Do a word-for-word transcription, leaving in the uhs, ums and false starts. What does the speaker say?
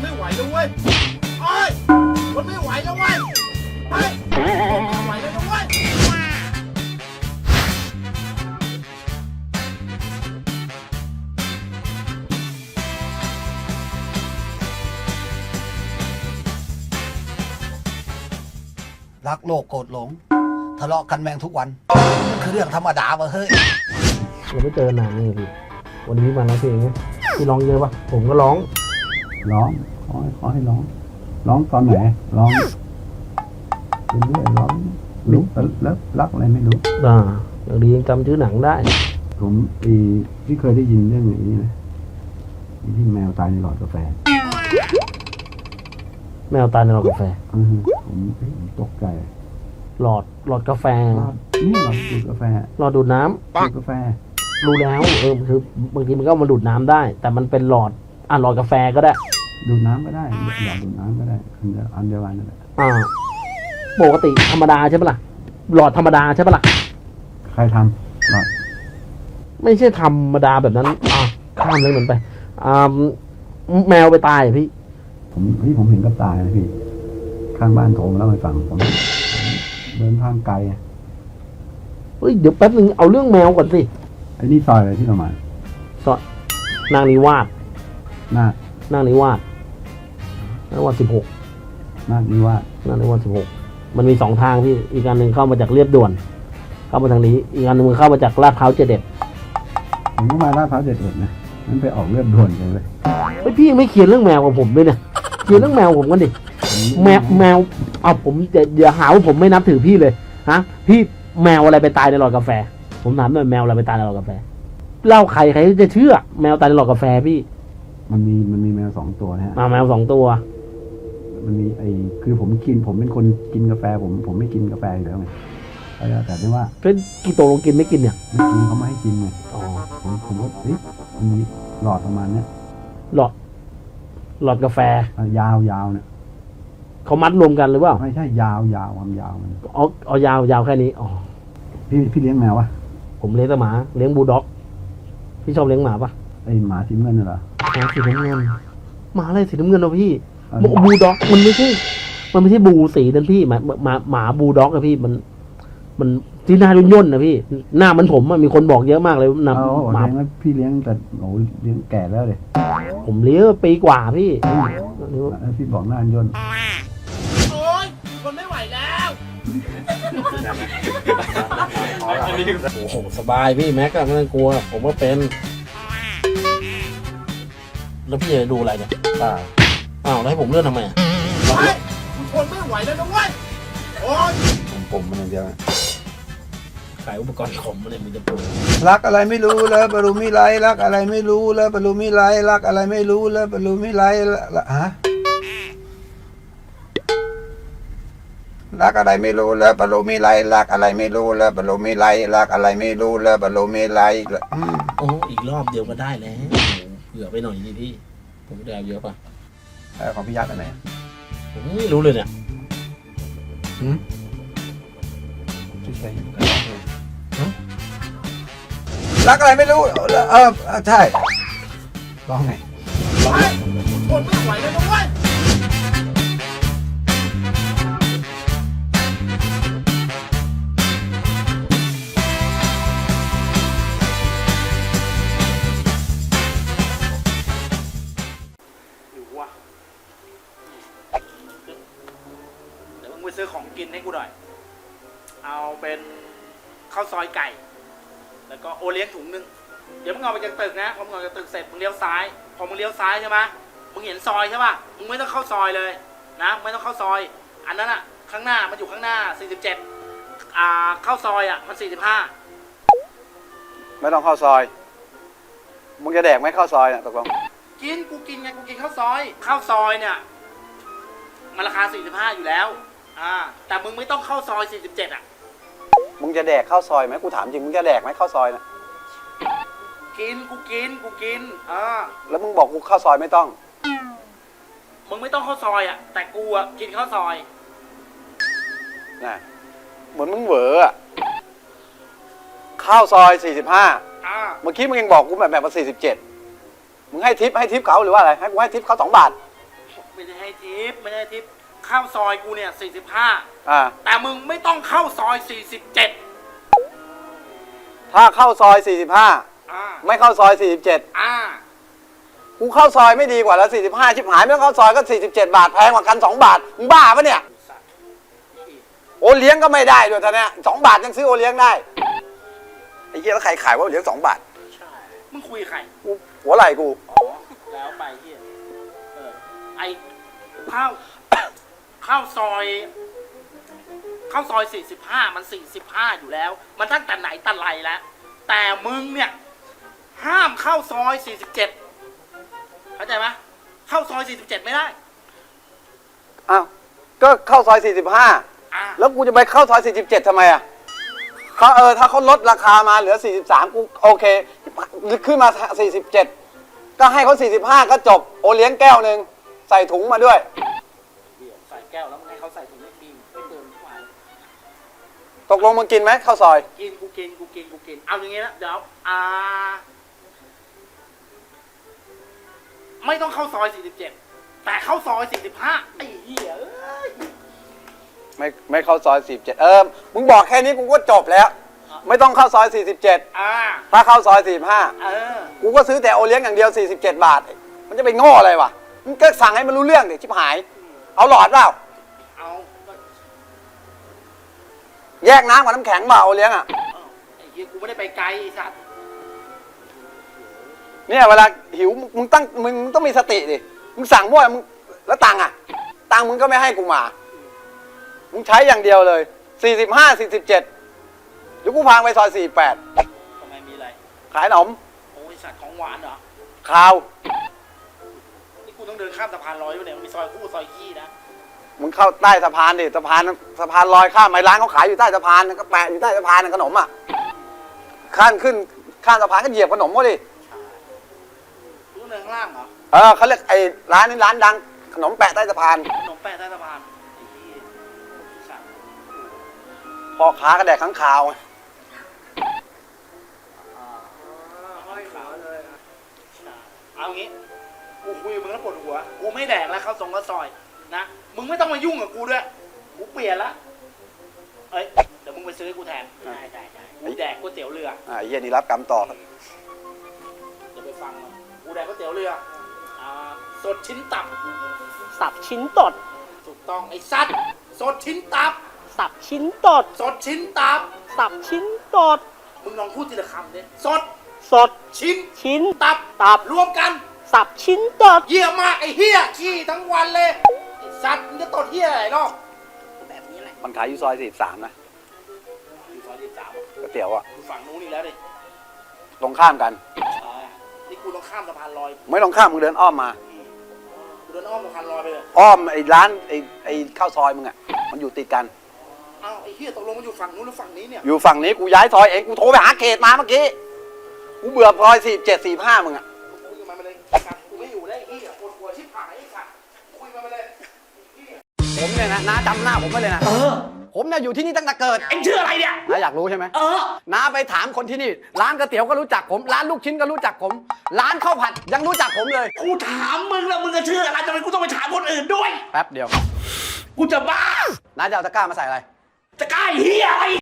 ไม่ไหวแล้วเว้ยโอ้ยทนไม่ไหวแล้วเว้ยเฮ้ยทนไม่ไหวแล้วนะเว้ยรักโลกโกรธหลงทะเลาะกันแมงทุกวันมันคือเรื่องธรรมดาวะเฮ้ยเราไม่เจอนานเลยพี่วันนี้มาร้องเพลงไงพี่ร้องเยอะปะผมก็ร้องร้องขอขอให้ร้องร้องตอนไหนร้องเรื่อยๆร้องรู้แล้วรักอะไรไม่รู้อ่าอย่างดียังจำชื่อหนังได้ผมอีที่เคยได้ยินเรื่องอย่างนี้นะที่แมวตายในหลอดกาแฟแมวตายในหลอดกาแฟผมตกใจหลอดหลอดกาแฟนี่หลอดดูดกาแฟหลอดดูดน้ำดูดกาแฟรู้แล้วเออคือบางทีมันก็มาดูดน้ำได้ แต่มันเป็นหลอดอ่ะหลอดกาแฟก็ได้ดูดน้ำก็ได้หลอดดูดน้ำก็ได้อันเดียวอันเดียวกันนั่นแหละอ่าปกติธรรมดาใช่ปะล่ะหลอดธรรมดาใช่ปะล่ะใครทำหลอดไม่ใช่ธรรมดาแบบนั้นอ่าข้ามเลยเหมือนไปอ่าแมวไปตายพี่ผมพี่ผมเห็นกับตาเลยพี่ข้างบ้านโทรมาเล่าให้ฟังผมเดินทางไกลเฮ้ยเดี๋ยวแป๊บนึงเอาเรื่องแมวก่อนสิไอ้นี่ซอยอะไรที่เรามาซอยนางนิวาสนาคนางนิวาสนางนิวาสสิบหกนาคนิวาสนางนิวาสสิบหกมันมีสองทางพี่อีกอันหนึ่งเข้ามาจากเรียบด่วนเข้ามาทางนี้อีกอันหนึ่งมันเข้ามาจากลาดพร้าวเจ็ดเอ็ดผมก็มาลาดพร้าวเจ็ดเอ็ดนะนั่นไปออกเรียบด่วนเลยเฮ้ยพี่ไม่เขียนเรื่องแมวกับผมด้วยเนี่ยเขียนเรื่องแมวผมกันดิแมวแมวเอาผมจะอย่าหาว่าผมไม่นับถือพี่เลยฮะพี่แมวอะไรไปตายในหลอดกาแฟผมถามหน่อยแมวอะไรไปตายในหลอดกาแฟเล่าใครใครจะเชื่อแมวตายในหลอดกาแฟพี่มันมีมันมีแมวสองตัวนะฮะแมวสองตัวมันมีไอ้คือผมกินผมเป็นคนกินกาแฟผมผมไม่กินกาแฟอยู่แล้วไงแต่ที่ว่าเป็นกี่ตัวลงกินไม่กินเนี่ยไม่กินเขาไม่ให้กินไงอ๋อผมผมว่าเฮ้ยมันมีหลอดประมาณเนี้ยหลอดหลอดกาแฟยาวยาวเนี่ยเขามัดรวมกันหรือเปล่าไม่ใช่ยาวยาวความยาวมันอ๋อเอายาวยาวแค่นี้อ๋อพี่พี่เลี้ยงแมวปะผมเลี้ยงแต่หมาเลี้ยงบูลด็อกพี่ชอบเลี้ยงหมาปะไอหมาสีน้ำเงินเหรอหมาสีน้ำเงินหมาอะไรสีน้ำเงินวะพี่บูลด็อกมันไม่ใช่มันไม่ใช่บูสีนั่นพี่หมาหมาหมาบูลด็อกอะพี่มันมันที่หน้าย่นย่นนะพี่หน้ามันผมมีคนบอกเยอะมากเลยนะหมาพี่เลี้ยงแต่โอ้เลี้ยงแก่แล้วเลยผมเลี้ยงปีกว่าพี่พี่บอกหน้าย่นโอ๊ยคนไม่ไหวแล้วโอ้โหสบายพี่แม็กก็ไม่ต้องกลัวผมว่าเป็นแล้วพี่จะดูอะไรเนี่ยอ้าวอ้าวแล้วให้ผมเลื่อนทำไมอ่ะเฮ้ยคนไม่ไหวแล้วนะเว้ยโอ๊ยผมผมมันอย่างเดียวขายอุปกรณ์ขมอะไรมึงจะปรุงรักอะไรไม่รู้แล้วบรรลุมิไลรักอะไรไม่รู้แล้วบรรลุมิไลรักอะไรไม่รู้แล้วบรรลุมิไลละฮะรักอะไรไม่รู้แล้วบรรลุมิไลรักอะไรไม่รู้แล้วบรรลุมิไลรักอะไรไม่รู้แล้วบรรลุมิไลโอ้อีกรอบเดียวก็ได้แล้วเผื่อไปหน่อยนี่พี่ผมได้เยอะป่ะของพี่ยักษ์อันไหนผมไม่รู้เลยเนี่ยอืมรักอะไรไม่รู้เออใช่ร้องไงคนไม่ไหวแล้วนะเว้ยเดี๋ยวมึงไปซื้อของกินให้กูหน่อยเอาเป็นข้าวซอยไก่แล้วก็โอเลี้ยงถุงนึงเดี๋ยวมึงเอาไปจากตึกนะพอมึงเอาจากตึกเสร็จมึงเลี้ยวซ้ายพอมึงเลี้ยวซ้ายใช่ไหมมึงเห็นซอยใช่ป่ะมึงไม่ต้องเข้าซอยเลยนะไม่ต้องเข้าซอยอันนั้นอ่ะข้างหน้ามันอยู่ข้างหน้าสี่สิบเจ็ดอ่าเข้าซอยอ่ะมันสี่สิบห้าไม่ต้องเข้าซอยมึงจะแดกไหมเข้าซอยเนี่ยตกลงกินกูกินไงกูกินข้าวซอยข้าวซอยเนี่ยมันราคาสี่สิบห้าอยู่แล้วอ่าแต่มึงไม่ต้องเข้าซอยสี่สิบเจ็ดอ่ะมึงจะแดกข้าวซอยไหมกูถามจริงมึงจะแดกไหมข้าวซอยนะกินกูกินกูกินอ่าแล้วมึงบอกกูข้าวซอยไม่ต้องมึงไม่ต้องข้าวซอยอ่ะแต่กูอ่ะกินข้าวซอยน่ะเหมือนมึงเหวออ่ะข้าวซอยสี่สิบห้าอ่าเมื่อกี้มึงยังบอกกูแบบแบบว่าสี่สิบเจ็ดมึงให้ทิปให้ทิปเขาหรือว่าอะไรให้กูให้ทิปเขาสองบาทโอ้ไม่ได้ให้ทิปไม่ได้ให้ทิปเข้าซอยกูเนี่ยสี่สิบห้าอ่าแต่มึงไม่ต้องเข้าซอยสี่สิบเจ็ดถ้าเข้าซอยสี่สิบห้าอ่าไม่เข้าซอยสี่สิบเจ็ดอ่ากูเข้าซอยไม่ดีกว่าแล้วสี่สิบห้าชิบหายไม่ต้องเข้าซอยก็สี่สิบเจ็ดบาทแพงกว่ากันสองบาทมึงบ้าปะเนี่ยสัตว์โอเลี้ยงก็ไม่ได้ด้วยท่านเนี่ยสองบาทยังซื้อโอเลี้ยงได้ไอ้เหี้ยแล้วใครขายว่าโอเลี้ยงสองบาทใช่มึงคุยกับใครกูหัวไหล่กูอ๋อแล้วไปเฮียเออไอเข้า เข้าซอยเข้าซอยสี่สิบห้ามันสี่สิบห้าอยู่แล้ว มันตั้งแต่ไหนแต่ไรแล้วแต่มึงเนี่ยห้ามเข้าซอยสี่สิบเจ็ดเข้าใจไหมเข้าซอยสี่สิบเจ็ดไม่ได้อ้าวก็เข้าซอยสี่สิบห้าอ่าแล้วกูจะไปเข้าซอยสี่สิบเจ็ดทำไมอ่ะเขาเออถ้าเขาลดราคามาเหลือสี่สิบสามกูโอเคขึ้นมาสี่สิบเจ็ดก็ให้เขาสี่สิบห้าก็จบโอเลี้ยงแก้วหนึ่งใส่ถุงมาด้วยเดี๋ยวใส่แก้วแล้วมึงให้เขาใส่ถุงไม่กินไม่เติมทุกวันตกลงมึงกินไหมข้าวซอยกินกูกินกูกินกูกินเอาอย่างงี้นะเดี๋ยวอ่าไม่ต้องเข้าซอยสี่สิบเจ็ดแต่เข้าซอยสี่สิบห้าไอ้เหี้ยเอ้ยไม่ไม่เข้าซอยสี่สิบเจ็ดเออมึงบอกแค่นี้กูก็จบแล้ว ไม่ต้องเข้าซอยสี่สิบเจ็ดอ่าถ้าเข้าซอยสี่สิบห้าเออกูก็ซื้อแต่โอเลี้ยงอย่างเดียวสี่สิบเจ็ดบาท มันจะไปโง่อะไรวะมึงก็สั่งให้มันรู้เรื่องดิชิบหาย เอาหลอดเปล่าเอาก็แยกน้ำกับน้ำแข็งเปล่าโอเลี้ยงอ่ะเอาไอ้เหี้ยกูไม่ได้ไปไกลไอ้สัตว์เนี่ยเวลาหิวมึงตั้งมึงต้องมีสติดิมึงสั่งมั่วมึงแล้วตังค์อ่ะตังค์มึงก็ไม่ให้กูมามึงใช้อย่างเดียวเลยสี่สิบห้า สี่สิบเจ็ดเดี๋ยวกูพาไปซอยสี่สิบแปดทำไมมีอะไรขายขนมโอ้ยสัตว์ของหวานเหรอข้าวนี่กูต้องเดินข้ามสะพานลอยไปเนี่ยมันมีซอยคู่ซอยขี้นะมึงเข้าใต้สะพานดิสะพานสะพานลอยข้ามไปร้านเขาขายอยู่ใต้สะพานก็แปะอยู่ใต้สะพานขนมอ่ะข้ามขึ้นข้ามสะพานก็เหยียบขนมก็ดิกูต้องเดินข้างล่างเหรอเออเขาเรียกไอ้ร้านนี้ร้านดังขนมแปะใต้สะพานขนมแปะใต้สะพานไอ้เหี้ยสัตว์พ่อค้าก็แดกข้างคาวไงอ่าห้อยขาวเลยอ่ะเอางี้กูคุยกับมึงแล้วปวดหัวกูไม่แดกแล้วเข้าทรงข้าวซอยนะมึงไม่ต้องมายุ่งกับกูด้วยกูเปลี่ยนละเอ้ยเดี๋ยวมึงไปซื้อให้กูแทนได้ได้ได้กูแดกก๋วยเตี๋ยวเรืออ่าไอ้เหี้ยนี่รับกรรมต่อเดี๋ยวไปฟังมันกูแดกก๋วยเตี๋ยวเรืออ่าสดชิ้นตับสับชิ้นตดถูกต้องไอ้สัตว์สดชิ้นตับสับชิ้นตดสดชิ้นตับสับชิ้นตดมึงลองพูดทีละคำดิสดสดชิ้นชิ้นตับตับรวมกันสับชิ้นตดเหี้ยมากไอ้เหี้ยขี้ทั้งวันเลยไอ้สัตว์มึงจะตดเหี้ยอะไรเนาะแบบนี้แหละมันขายอยู่ซอยสี่สิบสามนะอยู่ซอยที่สามก๋วยเตี๋ยวอ่ะอยู่ฝั่งนู้นอีกแล้วดิตรงข้ามกันอ่านี่กูต้องข้ามสะพานลอยไม่ต้องข้ามมึงเดินอ้อมมากูเดินอ้อมสะพานลอยไปเลยอ้อมไอ้ร้านไอ้ไอ้ข้าวซอยมึงอ่ะมันอยู่ติดกันอ้าวไอ้เหี้ยตกลงมันอยู่ฝั่งนู้นหรือฝั่งนี้เนี่ยอยู่ฝั่งนี้กูย้ายซอยเองกูโทรไปหาเขตมาเมื่อกี้กูเบื่อซอยสี่เจ็ดสี่ห้ามึงอ่ะคุยกับมันไปเลยไอ้สัตว์กูไม่อยู่ได้ไอ้เหี้ยปวดหัวชิบหายไอ้สัตว์คุยกับมันไปเลยไอ้เหี้ยผมเนี่ยนะน้าจำหน้าผมไว้เลยนะเออผมเนี่ยอยู่ที่นี่ตั้งแต่เกิดเอ็งชื่ออะไรเนี่ยน้าอยากรู้ใช่ไหมเออน้าไปถามคนที่นี่ ร้านก๋วยเตี๋ยวก็รู้จักผม ร้านลูกชิ้นก็รู้จักผม ร้านข้าวผัดยังรู้จักผมเลยกูถามมึงแล้วมึงจะชื่ออะไรทำไมกูต้องไปถามคนอื่นด้วยแป๊บเดียวกูจะบ้าน้าจะเอาตะกร้ามาใส่อะไรจะกล้าไอ้เฮียอะไร